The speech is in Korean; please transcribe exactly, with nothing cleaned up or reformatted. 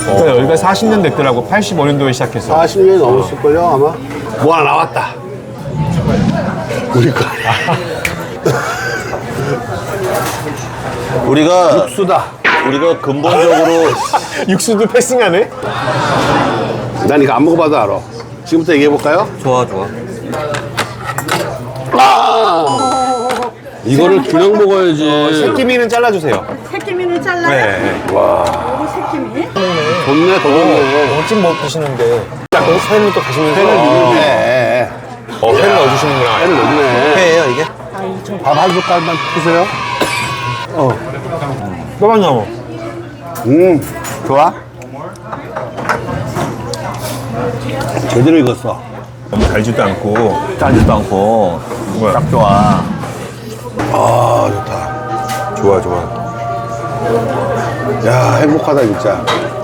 그러니까 여기가 사십 년 됐더라고. 팔십오 년도에 시작해서. 사십 년이 넘었을걸요 아마. 뭐 하나 나왔다. 우리 거 아니야. 우리가 육수다. 우리가 근본적으로 육수도 패싱하네? 난 이거 안 먹어봐도 알아. 지금부터 얘기해볼까요? 좋아 좋아. 이거를 균형 먹어야지. 새끼미는 잘라주세요. 새끼미는 잘라요? 네. 요거 새끼미. 좋네, 더 좋네. 어찌 못 드시는데. 딱 회는 또 가시면서. 네. 어, 회 넣어주시는구나. 회를 넣네. 회예요 이게? 밥 한 숟갈만 드세요. 또만 넣어. 음, 좋아? 제대로 익었어. 너무 달지도 않고. 짜지도 않고 뭐야? 딱 좋아. 아, 좋다. 좋아, 좋아. 야, 행복하다, 진짜.